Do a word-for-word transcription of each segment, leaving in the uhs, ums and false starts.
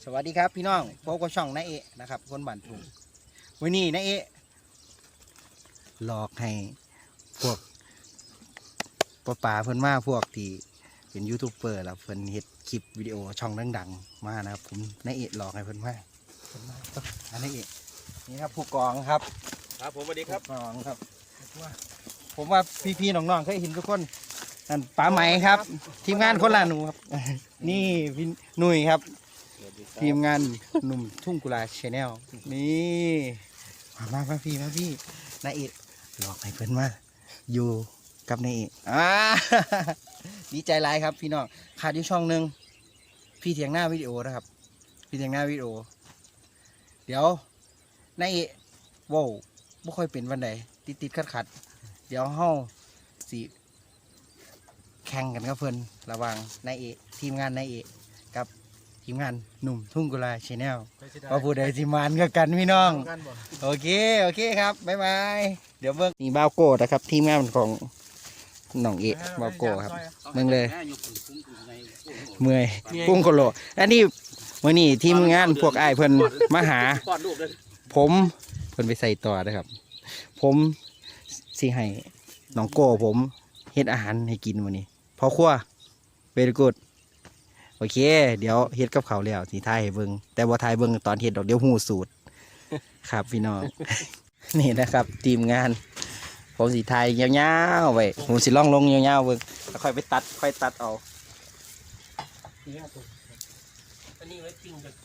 สวัสดีครับพี่น้องพบกับช่องนายเอะนะครับคนบ้านทุ่งวันนี้นายเอะหลอกให้พวกป้าป๋าเพิ่นมาพวกที่เป็นยูทูบเบอร์แล้วเพิ่นเฮ็ดคลิปวิดีโอช่องดังๆมานะครับผมนายเอะหลอกให้เพิ่นมาเพิ่นมาอันนายเอะนี่ครับผู้กองครับครับผมสวัสดีครับผู้กองครับผมว่าพี่ๆน้องๆเคยเห็นทุกคนนั่นป๋าไหมครับทีมงานคนละหนูครับนี่พี่หนุ่ยครับทีมงานหนุ่มทุ่งกุลาชาแนลนี่มามามาพี่มาพี่นายเอกหลอกให้เพิ่นมาอยู่กับนายเอกอ่าดีใจหลายครับพี่น้องขาดอยู่ช่องหนึ่งพี่เถียงหน้าวิดีโอนะครับพี่เถียงหน้าวิดีโอเดี๋ยวนายเอกว้าวไม่ค่อยเป็นวันใดติดติดขัดขัดเดี๋ยวเฮาสิแข่งกันกับเพิ่นระหว่างนายเอกทีมงานนายเอกกับทีมงานหนุ่มทุ่งกุลาชาแนลว่าผู้ใดสิมานกับกันพี่น้องโอเคโอเคครับบ๊ายบายเดี๋ยวเบิ่งนี่บ่าวโก้นะครับทีมงานของน้องเอกบ่าวโก้ครับเบิ่งเลยเมื่อยกุ้งโคโลอันนี้มื้อนี้ทีมงานพวกอ้ายเพิ่นมาหาผมเพิ่นไปใส่ต่อนะครับผมสิให้น้องโก้ผมเฮ็ดอาหารให้กินมื้อนี้พอครัวเวรี่กูดโอเคเดี๋ยวเฮ็ดกับเขาแล้วสิถ่ายให้เบิ่งแต่บ่ถ่ายเบิ่งตอนเฮ็ดดอกเดี๋ยวฮู้สูตรครับพี่น้อง นี่นะครับทีมงานผมสิถ่ายยาวๆไว้ผมสิลองลงยาวๆเบิ่งแล้วค่อยไปตัดค่อยตัดเอาอันนี้ไว้ปิ้งกัน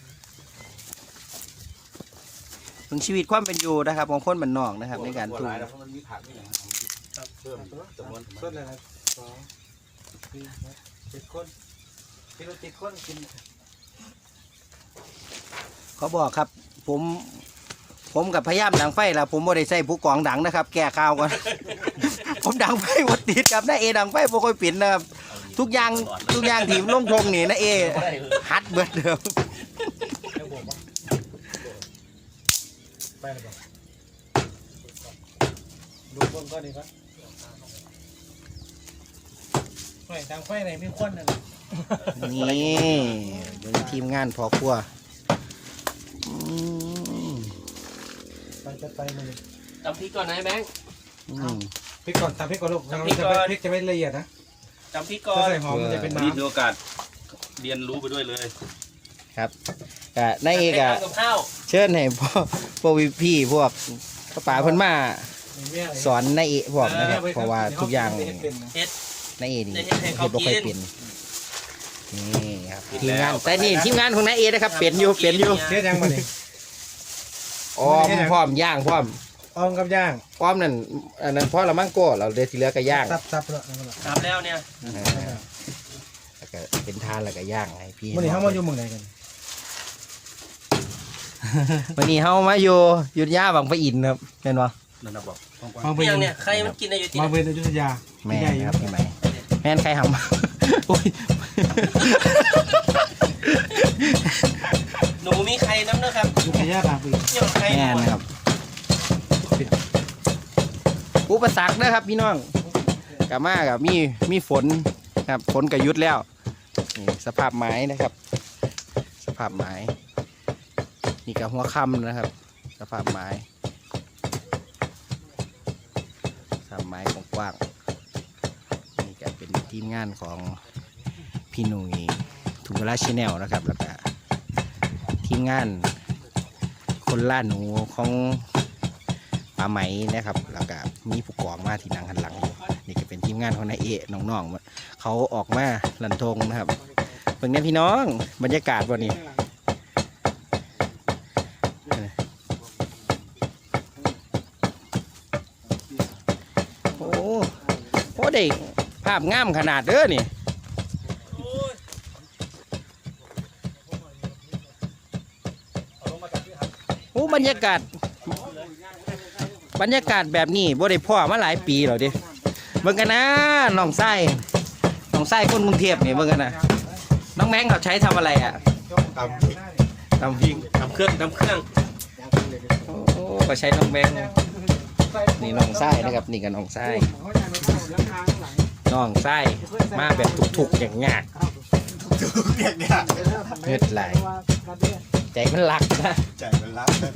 ถึงชีวิตความเป็นอยู่นะครับของคนบ้านนอกนะครับในการปลูกเพิ่มจำนวนเพิ่มเลยนะสองสี่เจ็ดคนกินเจ็ดคนกินเขาบอกครับผมผมกับพยายามดังไฟแล้วผมไม่ได้ใส่ผู้กองดังนะครับแก้ข่าวก่อน ผมดังไฟหมดติดครับน้าเอดังไฟโปรยปิ่นนะครับทุกอย่างทุกอย่างทีมลงทงนี่น้าเอฮัดเบิดเดิมไปเลยบ่ดูบนก็ดีครับไฟดังไฟไหนไม่ควันนั่นนี่เป็นทีมงานพอครัวไปจะไปเลยตำพริกก่อนนะแบงค์พริกก่อนตำพริกก่อนลูกตำพริกก่อนพริกจะไม่ละเอียดนะตำพริกก่อนใส่หอมมันจะเป็นน้ำนี่ถือโอกาสเรียนรู้ไปด้วยเลยครับกะนายเอกอะเชิญให้พ่อพวกพี่พวกป๋าเพิ่นมาสอนนายเอกพวกนะครับเพราะว่าทุกอย่างนายเอกนี่เฮ็ดบ่ค่อยเป็นนี่ครับทีมงานแต่นี่ทีมงานของนายเอกนะครับเป็นอยู่เป็นอยู่เฮ็ดยังบ่นี่อ้อมพร้อมย่างพร้อมอ้อมกับย่างอ้อมนั่นอันนั้นพอละมั่งโก้เราเดี๋ยวที่เหลือก็ย่างซับๆแล้วซับแล้วเนี่ยแล้วก็เป็นทานแล้วก็ย่างให้พี่วันนี้เฮามาอยู่เมืองไหนกันวันนี้เฮามาอยู่ยุทธยาบางปะอินครับเห็นบ่นั่นน่ะบอกมาเป็นเนี่ยใครมันกินในยุทธยามาเป็นยุทธยาแม่ครับพี่ใหม่แม่นใครหำโอ้ยหนูมีใครน้ำนะครับยุทธยาบางปีแม่นะครับอุปสรรคนะครับพี่น้องกับมากับมีมีฝนครับฝนกับยุดแล้วนี่สภาพไม้นะครับสภาพไม้นี่กับหัวค่ำนะครับสภาพไม้สภาพไม้กว้างๆนี่ก็เป็นทีมงานของพี่หนุ่ยทุ่งกุลาชาแนลนะครับแล้วก็ทีมงานคนล่าหนูของปลาไหมนะครับแล้วก็มีผู้กองมาที่นั่งหันหลังนี่ก็เป็นทีมงานของนายเอะน้องๆเขาออกมาลันทงนะครับเพิ่งนี้พี่น้องบรรยากาศวันนี้โอ้โหได้ภาพงามขนาดเด้อนี่โอ้บรรยากาศบรรยากาศแบบนี้บ่ได้พ่อมาหลายปีแล้วดิเบิ่งกันนะน้องไส้น้องไส้คนกรุงเทพนี่เบิ่งกันนะน้องแมงเขาใช้ทำอะไรอ่ะตำตำพริกตำเครื่องตำเครื่องโอ้ก็ใช้น้องแมงนี่น้องไส้นะครับนี่กับน้องไส้น้องไส้มาแบบถูกๆอย่างยากเรียกเนี่ยเงือดไหลใจมันหลักนะใจมันรักนะ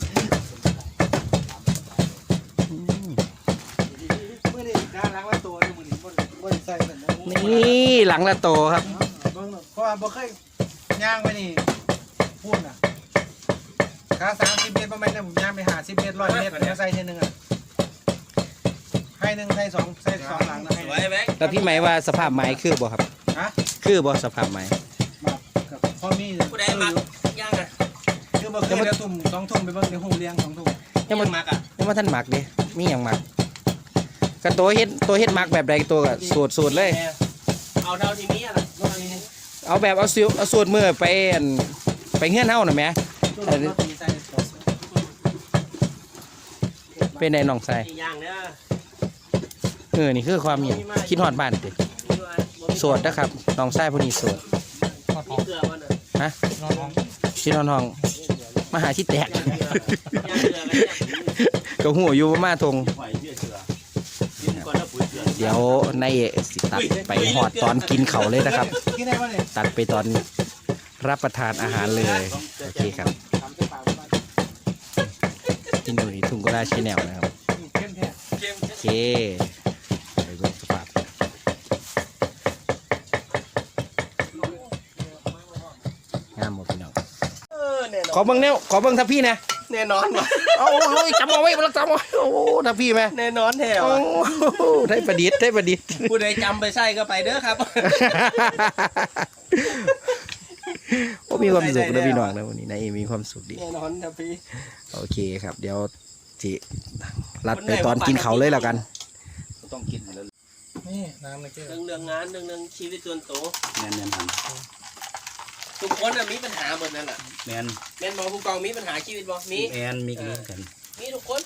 มื่อนี้การล้างละตัวนี่มือนี้บ่บ่ได้ใส่เหมือนนี่หลังละโตครับเบิ่งเพราะว่าบ่เคยย่างไปนี่พูดน่ะขาสามสิบเมตรประมาณนั้นผมย่างไปหาสิบเมตรร้อยเมตรแล้วใส่ทีนึงอ่ะให้หนึ่งใส่สองใส่สองหลังนะให้สวยแบงค์แล้วพี่ไหมว่าสภาพไม้คือบ่ครับฮะคือบ่สภาพไม้มากับพ่อมีผู้ใดมักย่างอ่ะคือบ่เคยเดี๋ยวตุ่มสองทุ่มไปเบิ่งเดี๋ยวหูเลี้ยงสองทุ่มยังมันมักอ่ะยังว่าท่านหมักดิมีอย่างหมักก็ตัวเฮ็ดตัวเฮ็ดหมักแบบใดตัวก็สูตรสูตรเลยเอาเท่าที่มีอ่ะล่ะรถนี้เอาแบบเอาซิวเอาสูตรมือไปอั่นไปเฮือนเฮาน่ะแหมรถนี้ใส่สองเป็นได้น้องใส่ที่ย่างเนี่ยเออนี่คือความหยังคิดฮอดบ้านติโสดนะครับน้องใส่ผู้นี้โสดมีเกลือมันอ่ะฮะชินอนห้องมาหาที่แตกย่างเกลือย่างเกลือกันเนี่ยก็หัวอยู่มาทงไหวเชื่อเชื่อกินก่อนแล้วปุ๋ยเชื่อเดี๋ยวนายเอกสิตัดไปหอดตอนกินเขาวเลยนะครับกินได้บ่เนี่ยตัดไปตอนรับประทานอาหารเลยโอเคครับทำใส่ปากบ่กินอยู่ที่ทุ่งกุลาชแนลนะครับเข้มแท้เค็มโอเคไปเบิ่งสภาพงามหมดพี่น้องเออแน่นขออน เบิ่งแนวขอเบิ่งทัพพี่นะแน่นอนว่ะเอาโอ้ยจำเอาไว้บ่จำเอาไว้โอ้ทัพพี่แม่แน่นอนแถวโอ้ได้ประดิษฐ์ได้ประดิษฐ์ผู้ใดจำไปใส่ก็ไปเด้อครับโอ้มีความสุขนะพี่น้องนะวันนี้นายเอมีความสุขดีแน่นอนครับพี่โอเคครับ เดี๋ยวจิรัดไปตอนกินเขาวเลยแล้วกันต้องกินแล้วนี่น้ำในแก้วเรื่องเรื่องงานเรื่องเรื่องชีวิตส่วนตัวแมนแมนหันทุกคนน่ะมีปัญหาหมดนั่นแหละแมนแม่นบอผู้กองมีปัญหาชีวิตบอมีแมนมีกินกันมีทุกคน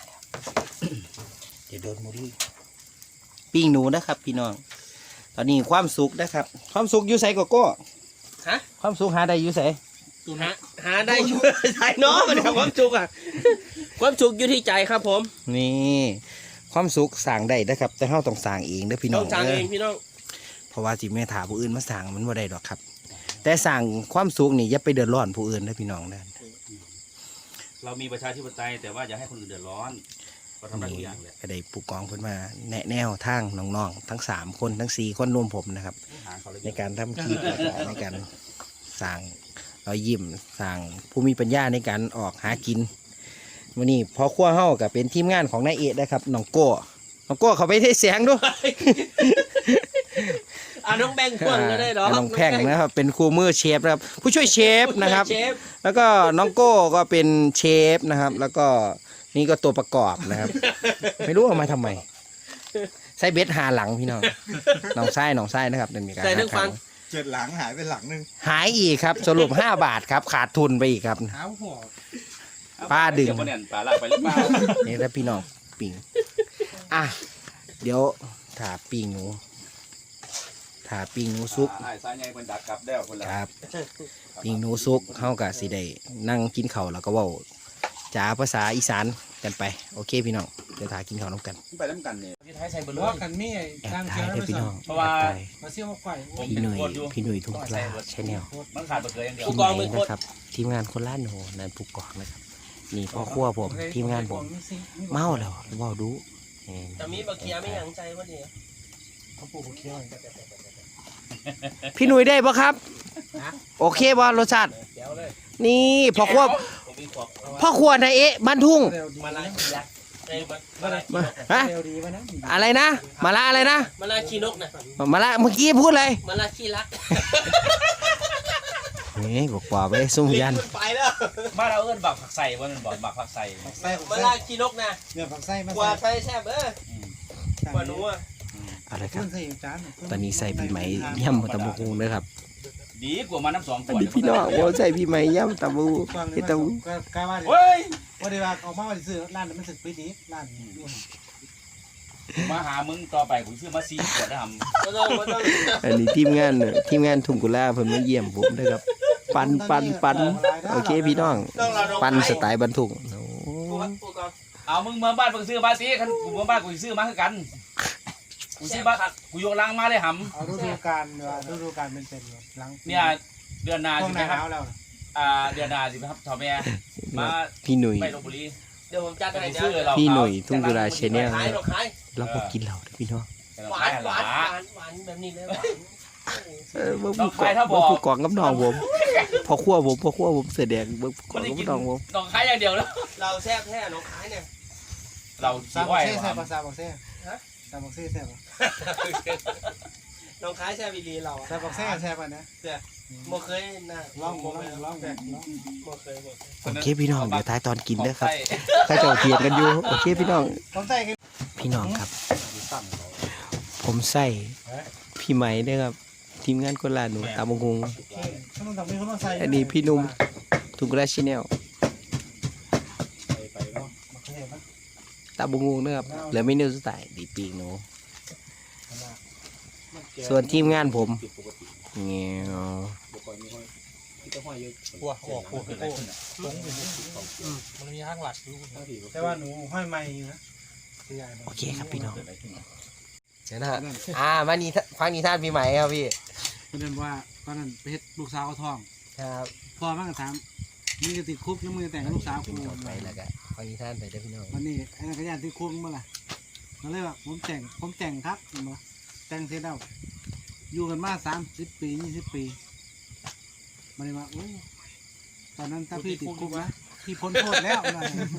เดี๋ยวโดนมูลี่ปิ้งหนูนะครับ พี่น้อง ตอนนี้ความสุขนะครับ ความสุขอยู่ใส่โกโก้ฮะความสุขหาได้อยู่ใส่หาหาได้อยู่ ใช่เนาะมันทำความสุขอ่ะความสุขอยู่ที่ใจครับผมนี่ความสุขสั่งได้นะครับ แต่เราต้องสั่งเองเด้อพี่น้ต้ออง งสั่งเองพี่น้องเพราะว่าจิแม่ถาผู้อื่นมาสั่งมันบ่ได้ดอกครับ แต่สั่งความสุขนี่อย่าไปเดือดร้อนผู้อื่นนะพี่น้องนะเรามีประชาธิปไตยแต่ว่าอย่าให้คนอื่นเดือดร้อนเราทำได้ทุกอย่างเลยก็ได้ผู้กองเพิ่นมาแนะแนวทางน้องๆทั้งสามคนทั้งสี่คนรวมผมนะครับหาเขาเลยในการทำคลิปแล้วก็ในการสั่งรอยยิ้มสั่งผู้มีปัญญาในการออกหากินวันนี้พอขั้วเฮากับเป็นทีมงานของนายเอกนะครับน้องโก้น้องโก้เขาไปเทแสงด้วยอ่ะน้องแบงค์พ่วงก็ได้หรอน้องแพงนะครับเป็นครูมือเชฟนะครับผู้ช่วยเชฟนะครับเชฟแล้วก็น้องโก้ก็เป็นเชฟนะครับ แล้วก็นี่ก็ตัวประกอบนะครับ ไม่รู้เอามาทำไมใส่เบ็ดหาหลังพี่น้องน้องไส้น้องไส้นะครับเดินมีการใส่ทั้งฟังเจ็ดหลังหายไปหลังหนึงหายอีกครับสรุปห้าบาทครับขาดทุนไปอีกครับหาหัวป้าดึงเดี๋ยวบ่แน่นปลาลากไปหรือเปล่านี่แล้วพี่น้องปิงอ่ะเดี๋ยวถาปิงหนูถาปิงหนูซุกอ่าสายใหญ่เป็นดักกลับแล้วคนละครับปิงหนูซุกเข้ากับสิได้นั่งกินข้าวแล้วก็เว้าจ๋าภาษาอีสานกันไปโอเคพี่น้องเดี๋ยวถากินข้าวน้ำกันไปน้ำกันเนี่ยพี่ไทยใส่เบอร์ว่ากันมีไอ้แอบทางถ่าเชียยว ด้วยพี่น้องเพราะว่าแอบถ่ายมาเสี่ยวมาไข่พี่หนุ่ยพี่หนุ่ยทุ่งปลาใช่แนวมันขาดเบอร์เกอร์อย่างเดียวพี่ไหนนะครับทีมงานคนล้านโหนั่นผู้กองนะครับนี่พ่อครัวผมทีมงานผมเมาแล้วเมาดูนี่แต่มีบะเคียไม่หยังใจว่าเดียวเขาปลูกเคี้ยวพี่หนุ่ยได้ปะครับโอเคป่ะรสชาติเดี๋ยวเลยนี่พ่อครัวผมมีขวบพ่อครัวนายเอ๊ะบ้านทุ่งเร็วดีมาลาคียักษ์ไอ้มาลาคีมานกฮะเร็วดีวะนะอะไรนะมาละอะไรนะมาลาคีนกนะมาละเมื่อกี้พูดอะไรมาลาคีรักนี่บอกว่าไปซุ่มยันลิ้ไปแล้วบ้านเราเอิ้นบักผักใส่ว่ามันบอกบักผักใส่ไส้มาลาคีนกนะเนื้อผักไส้มากว่าใส่ใส่แซ่บเออ กว่าหนูอ่ะอะไรครัขึ้บนใส่จานตอนนี้ใส่พี่ไหมย่ำตะบูกูเลยครับดีกว่ามาน้ำสองขอันวดนี้พี่น้องว่าใส่พี่ไหมย่ำตะบูฟังเฮ็ดตะบูก็กล้าว่าเฮ้ยว่าเดี๋ยวออกมาว่าซื้อร้านนั้นมันสึกไปดีร้านมาหามึงต่อไปกูซื้อมาซีขวดได้ทไม่ต้องไม่ต้องอันนี้ทีมงานเนี่ยทีมงานทุ่งกุลาเพิ่นมาเยี่ยมผมนะครับ ปันปันปันโอเคพี่น้อง ปันสไตล์บรรทุกโอ้ผู้ผู้กองำเอามึงมาบ้านมึงซื้อมาซีคันกูมาบ้านกูซื้อมาคือกันกูสิบ้ากูยกล้างมาเลยหเอาฤดูกาลเว่าฤดูกาลเป็นเป็นแบบหลังำเนี่ยเดือนหนาช่วสิงหไหมน้าคหรับนาวแล้วอ่าเดือนหนาสิครับทอมแม่มาพี่หนุ่ยไปลพบุรีเดี๋ยวผมจัดให้ซื้อเดี๋ยวเราพี่หนุ่ยทุ่งกุลา Channel ขายหรอกขายเราบอกกินเหล้าเด้อพี่น้องหวานหวานหวานหวานแบบนี้เลยหวานเออเบิ่งผู้กองเบิ่งผู้กองกับน้องผมพอขั้วผมพอขั้วผมเสือแดงเบิ่งผู้กมัอน งได้กับกินน้องผมน้องขายอย่างเดียวแล้วเราแซ่บแท้น้องขายเนี่ยเราซาขี้บ็อ้ออก ยเซ่แซ่บว่ะปะซาบ็อกเซ่ซาบ็อกเซ่แซ่บปะน้องขายแซ่บอีหลีเราซาบ็อกเซ่แซ่บปะเนี่ยบ่เคยนะลองลองลองแบบลองบ่เคยบ่เคยโอเคพี่น้องเดี๋ยวท้ายตอนกินเด้อครับใส่ถ้าเจ้าเถียงกันอยู่โอเคพี่น้องต้องใส่กันพี่น้องครับ ผมใส่พี่ไหมเด้อครับทีมงานคนละหนูตามงงขนมต้องมีขนมใส่อันนี้พี่หนุ่มทุ่งกุลา Channel ไปเนาะมะเขือเทศปะตามงงเด้อครับเหลือเมนูสุดท้ายดีปีกหนูส่วนทีมงานผมเงี้ยหัวหัวหัวหัวตรงอยู่มันมีห้างหลักอยู่แต่ว่าหนูห้อยไม้อยู่นะคือใหญ่โอเคครับพี่น้องเดี๋ยวนะฮะอ่ามานี่ฟังนิทานปีใหม่ครับพี่ประเด็นว่าตอนนั้นไปเฮ็ดลูกสาวเขาท้องครับพ่อมันก็ถามมึงจะติดคุกยังมึงจะแต่งกับลูกสาวกูจบไปแล้วก็ฟังนิทานไปเด้อพี่น้องวันนี้ไอ้นักยานติดคุกเมื่อไหร่มาเลยว่าผมแต่งผมแต่งครับเห็นบ่แต่งเสร็จแล้วอยู่กันมาสามสิบปียี่สิบปีมาเลยว่าโอ้ตอนนั้นถ้าพี่ติดคุกนะพี่พ้นโทษแล้วนะ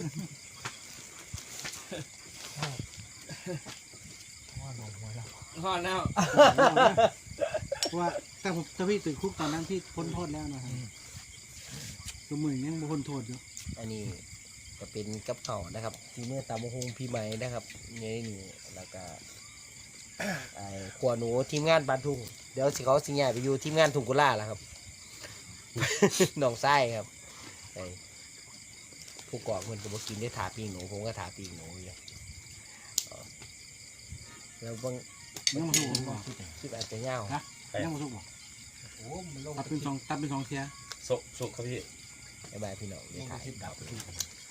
ฮอดแล้วเพราะว่าแต่ผมถ้าพี่ติดคุกตอนนั้นพี่พ้นโทษแล้วนะครับตัวมือยังบ่พ้นโทษอยู่อันนี้ก็เป็นกับเข่าวนะครับที่เมื่อตามหงพี่ใหม่นะครับนี่นี่แล้วก็ ไอ้ขวหนูทีมงานบานทุ่งเดี๋ยวสิเขาสิย้ายไปอยู่ทีมงานทุ่งกุลาแล้วครับ น้องไส้ครับไอ้ผู้กองเพิ่นก็บ่กินได้ถาปีงหนูผมก็ถาปีงหนูอยู่อ๋อแล้วบางยังมาสุกบ่คลิปอาจจะยาวยังมาสุกบ่ตัดเป็นสองตัดเป็นสองเทียสกสกครับพี่บ๊ายบายพี่น้องเดี๋ยวถ่าย